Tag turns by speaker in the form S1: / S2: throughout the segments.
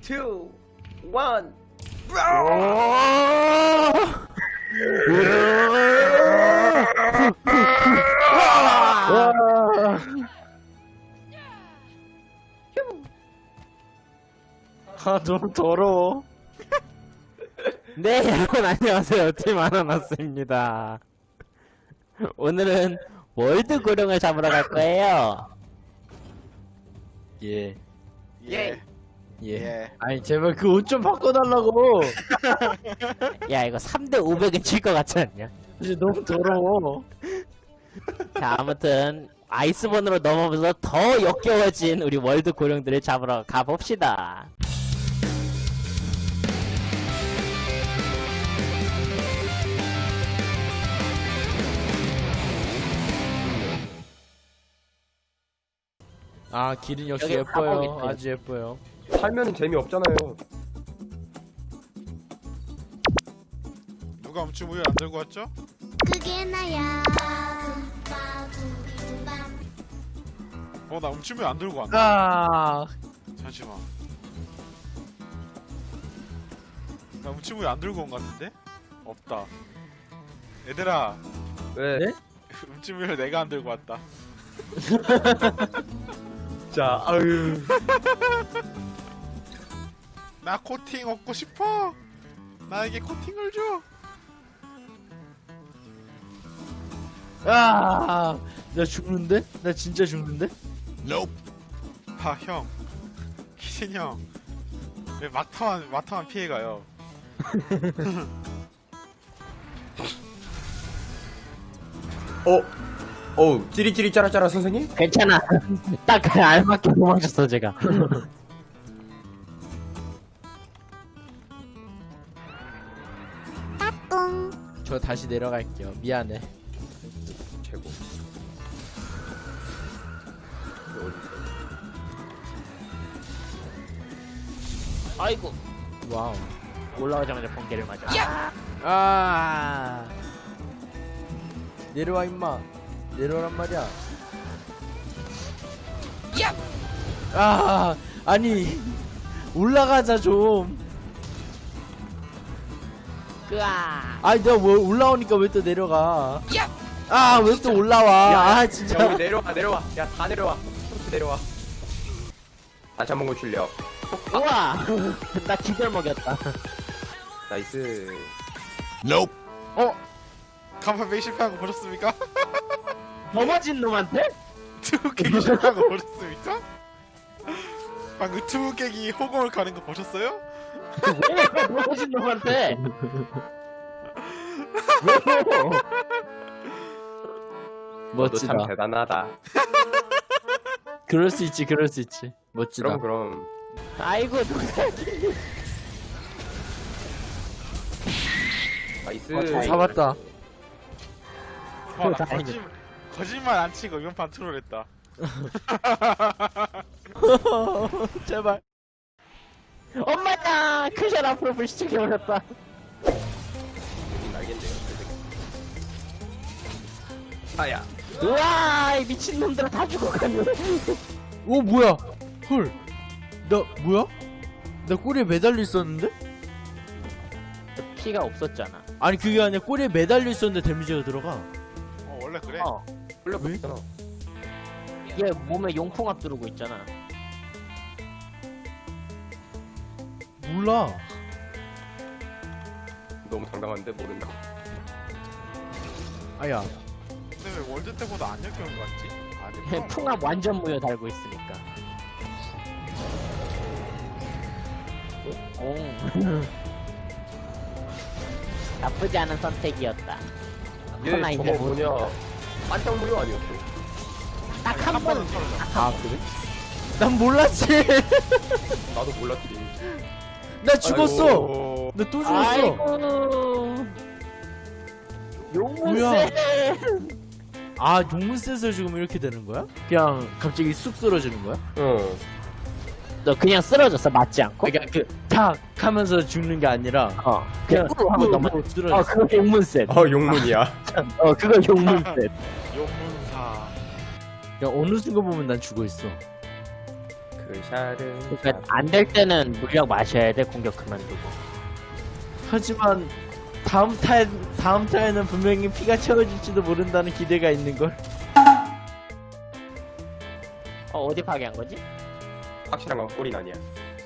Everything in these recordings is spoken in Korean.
S1: 2, 1.
S2: 아 너무 더러워. 네 여러분 안녕하세요, 팀 아나나스입니다. 오늘은 월드 고룡을 잡으러 갈 거예요. 예.
S1: 예.
S2: 예. 아니 제발 그 옷 좀 바꿔달라고. 야 이거 3대 500은 질 것 같지 않냐? 이제 너무 더러워. 자 아무튼 아이스본으로 넘어오면서 더 역겨워진 우리 월드 고룡들을 잡으러 가봅시다. 아 길은 역시
S3: 여기
S2: 예뻐요.
S3: 가보겠지.
S2: 아주 예뻐요.
S1: 살면 재미없잖아요.
S4: 누가 음치무열 안 들고 왔죠?
S5: 그게 나야.
S4: 나 음치무열 안 들고 왔나?
S2: 아
S4: 잠시만. 나 음치무열 안 들고 온 것 같은데? 없다. 얘들아,
S1: 왜?
S2: 네?
S4: 음치무열 내가 안 들고 왔다.
S1: 자, 아유.
S4: 나 코팅 얻고 싶어. 나에게 코팅을 줘.
S2: 아, 나 죽는데? 나 진짜 죽는데?
S4: 아 형, 키신 형, 왜 마타만 피해가요?
S1: 찌리찌리 짜라짜라 선생님?
S3: 괜찮아. 딱 알맞게 도망쳤어 제가.
S2: 저 다시 내려갈게요. 미안해.
S1: 최고.
S3: 아이고
S2: 와우.
S3: 올라가자마자 번개를 맞아.
S2: 아. 내려와 임마. 내려오란 말이야. 아, 아니 올라가자 좀.
S3: 으아.
S2: 아니 내가 뭐 올라오니까 왜 또 내려가? 아, 왜 또 올라와? 아, 진짜.
S1: 야, 우리 내려와. 야, 다 내려와. 쭉 내려와. 다시 한번 고출력.
S3: 우와. 나 기절 먹였다.
S1: 나이스.
S4: 간판 베이 실패한 거 보셨습니까?
S3: 넘어진 놈한테?
S4: 투부 깨기 실패한 거 보셨습니까? 방금 투부 깨기 호공을 가는 거 보셨어요?
S3: 왜 넘어진 놈한테?
S1: 너도
S2: 멋지다.
S1: 참 대단하다.
S2: 그럴 수 있지, 그럴 수 있지. 멋지다.
S1: 그럼.
S3: 아이고 누가?
S1: 나이스.
S2: 잡았다.
S4: 나
S3: 다행이다.
S4: 거짓말 안 치고 이번 판 트롤했다.
S2: 제발.
S3: 엄마야! 크샬 앞으로 불시착해버렸다.
S1: 알겠네요. 아야.
S3: 우와! 이 미친놈들아 다 죽어가네.
S2: 오, 뭐야? 헐. 나 뭐야? 나 꼬리에 매달려 있었는데?
S3: 피가 없었잖아.
S2: 아니 그게 아니라 꼬리에 매달려 있었는데 데미지가 들어가.
S4: 원래 그래.
S1: 흘렸잖아.
S3: 얘 몸에 용풍압 두르고 있잖아.
S2: 몰라.
S1: 너무 당당한데 모른다.
S2: 아야.
S4: 근데 왜 월드 때보다 안 역겨운 거 같지?
S3: 얘 풍압 완전 무효 달고 있으니까. 오. 나쁘지 않은 선택이었다. 하나
S1: 얘
S3: 이제
S1: 저거
S3: 못.
S1: 뭐냐. 반짝 무료 아니었어?
S3: 딱 한 번.
S2: 아 그래? 난 몰랐지.
S1: 나도 몰랐지.
S2: 나 죽었어.
S1: 아이고.
S2: 나 또 죽었어.
S3: 아이고. 용문세.
S2: 뭐야? 아 용문셋을 죽으면 이렇게 되는 거야? 그냥 갑자기 쑥 쓰러지는 거야?
S1: 응.
S3: 너 그냥 쓰러졌어 맞지 않고?
S2: 그러니까 그탁 하면서 죽는 게 아니라
S3: 그냥 꾹 하고 넘어.
S2: 쓰러져.
S3: 그거 용문세.
S1: 용문이야.
S3: 그거 용문세.
S4: 용문사.
S2: 그냥 어느 순간 보면 난 죽어 있어.
S1: 샤르.
S3: 그러니까 안 될 때는 물약 마셔야 돼. 공격 그만두고.
S2: 하지만 다음 타에는 분명히 피가 채워질지도 모른다는 기대가 있는 걸.
S3: 어디 파괴한 거지?
S1: 확실한 건 꼴이 아니야.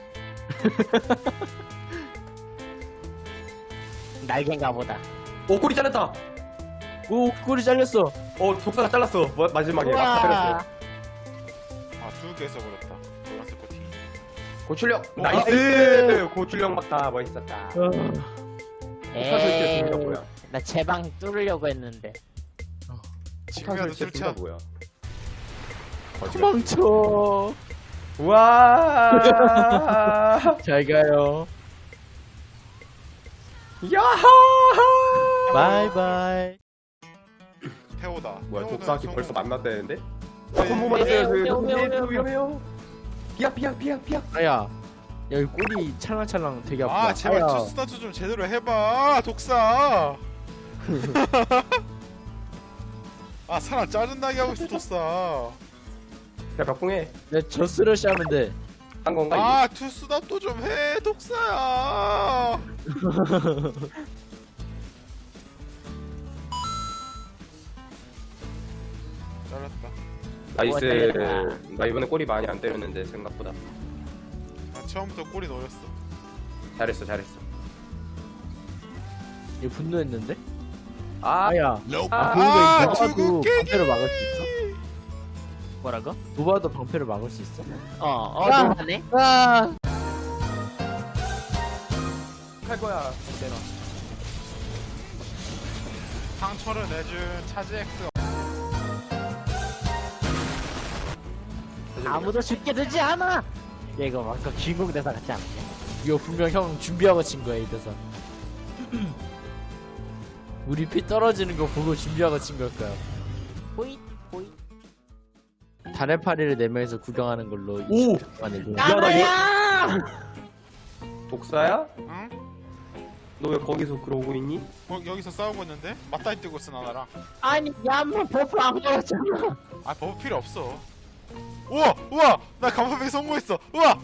S3: 날개인가 보다.
S1: 오 꼬리 잘랐다.
S2: 오 꼬리 잘렸어.
S1: 독사가 잘랐어. 마지막에 막
S3: 우와.
S1: 때렸어.
S4: 아, 2개 써버렸다. 노란색 코팅.
S1: 고출력
S4: 오,
S1: 나이스. 고출력 막다 멋있었다.
S3: 에이,
S1: 설치가 뭐야?
S3: 나 제방 뚫으려고 했는데.
S4: 지금이라도
S1: 설치가
S4: 술차.
S1: 뭐야?
S2: 도망쳐.
S1: 와.
S2: 잘 가요.
S1: 야하.
S2: 바이바이.
S4: 태호다.
S1: 뭐야
S4: 태호는
S1: 독사기
S4: 성공.
S1: 벌써 만났다는데?
S4: 네.
S1: 한번 맞아요.
S3: 위험해요.
S1: 위험해요. 비약.
S2: 아야. 여기 꼬리 찰랑찰랑 되게 아프다.
S4: 아, 제발
S2: 아야.
S4: 투스타트 좀 제대로 해봐, 독사. 아, 사람 짜증나게 하고 있어, 독사.
S1: 야 벽붕해.
S2: 내 저스러시 하면 돼.
S1: 한 건가? 이게?
S4: 아, 투스타트 좀 해, 독사야. 잘랐다.
S1: 나이스. 나 이번에 꼬리 많이 안 때렸는데 생각보다.
S4: 나 처음부터 꼬리 노렸어.
S1: 잘했어.
S2: 얘 분노했는데?
S1: 아,
S2: 아야.
S1: 아,
S2: 그러니까
S4: 투구
S2: 노바도
S4: 깨기.
S2: 방패를 막을 수 있어?
S3: 뭐라고?
S2: 노바도 방패를 막을 수 있어?
S3: 아. 너무하네.
S2: 아.
S1: 할 거야. 내가.
S4: 상처를 내준 차지엑스.
S3: 아무도 죽게 되지 않아. 얘 이거 막 주인공 대사 같지 않아?
S2: 이거 분명 형 준비하고 친 거야 이 대사. 우리 피 떨어지는 거 보고 준비하고 친 걸 거야.
S3: 호잇 호잇.
S2: 달의 파리를 4명이서 구경하는 걸로
S1: 오!
S2: 만들고.
S3: 나야!
S1: 독사야?
S4: 응?
S1: 너 왜 거기서 그러고 있니?
S4: 여기서 싸우고 있는데? 맞다이 뜨고 있어, 나랑.
S3: 아니 야뭐 버프 안 걸었잖아.
S4: 아, 버프 필요 없어. 우와! 나 감사패 성공했어! 우와!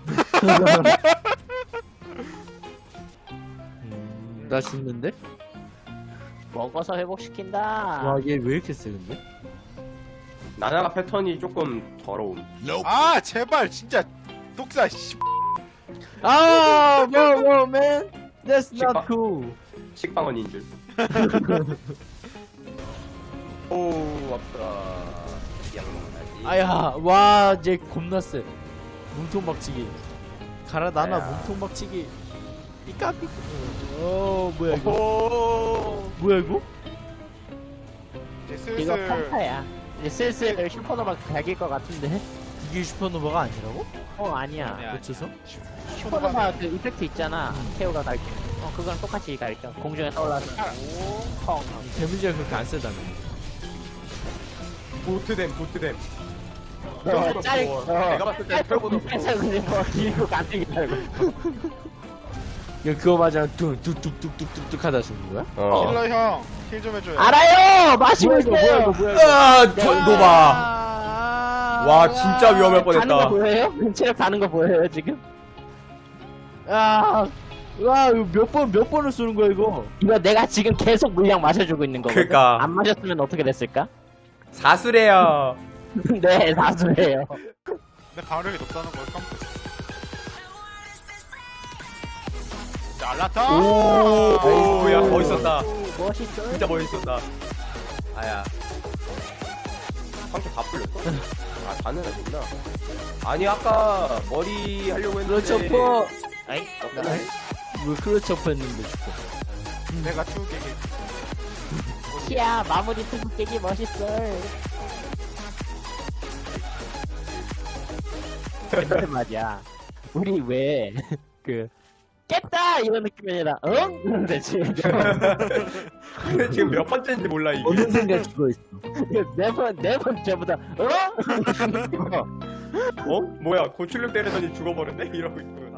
S2: 나 죽는데?
S3: 먹어서 회복시킨다.
S2: 와 얘 왜 이렇게 세 근데?
S1: 나나가 패턴이 조금 더러움.
S4: 아, 제발, 진짜. 독사, 씨.
S2: 아, no, man, that's
S1: 식빵.
S2: not cool.
S1: 식빵원인 줄. 오, 아프다. 양놈하지.
S2: 아야, 와, 얘 겁나 세. 몸통 박치기. 가라 나나
S1: 아야.
S2: 몸통 박치기. 삐까삐까. 뭐야 이거?
S1: 오.
S2: 뭐야 이거?
S4: 이제
S3: 이거
S4: 슬슬.
S3: 평타야. 이제 슬슬 슈퍼노바 갈길 것 같은데?
S2: 이게 슈퍼노바가 아니라고?
S3: 아니야.
S4: 아니야.
S2: 어째서?
S3: 슈퍼노바 그 이펙트 있잖아. 태오가 갈게. 그거랑 똑같이 갈겨. 공중에 떠올라서. 펑.
S2: 데미지가 그렇게 안 세다며.
S1: 보트댐.
S3: 짤.
S1: 내가 봤을 때 털보다
S3: 해서 그냥 뭐 길고 가뜩이 달고.
S2: 야 그거 맞아 뚝뚝뚝뚝뚝뚝 하다 죽는 거야?
S4: 힐러 형, 힐 좀 해줘요.
S3: 알아요. 마시고 있어요.
S1: 아, 노바. 와, 진짜 위험할 뻔했다.
S3: 가는 거 보여요? 체력 가는 거 보여요 지금?
S2: 와 이거 몇 번을 쏘는 거야 이거?
S3: 이거 내가 지금 계속 물량 마셔주고 있는 거거든.
S1: 그러니까.
S3: 안 마셨으면 어떻게 됐을까?
S1: 사수래요.
S3: 네, 사수예요.
S4: 근데 가력이 높다는 걸 깜빡했어. 잘랐다.
S1: 오, 야, 멋있었다.
S3: 멋있어.
S1: 진짜 멋있었다. 아야. 상처 다 풀렸어? 아, 다는 아니구나. 아니, 아까 머리 하려고 했는데.
S2: 클로처퍼.
S3: 아이,
S2: 왜 클로처퍼 했는데 죽어?
S4: 내가 투개기.
S3: 시야 마무리 투구 깨기 멋있어. 근데 말이야. 우리 왜 그 깼다 이런 느낌이 아니라 응? 그런데 지금
S1: 근데 지금 몇 번째인지 몰라, 이게.
S2: 어느 순간 죽어있어.
S3: 네 번째보다 응?
S1: 어? 뭐야, 고출력 때리더니 죽어버렸네? 이러고 있고.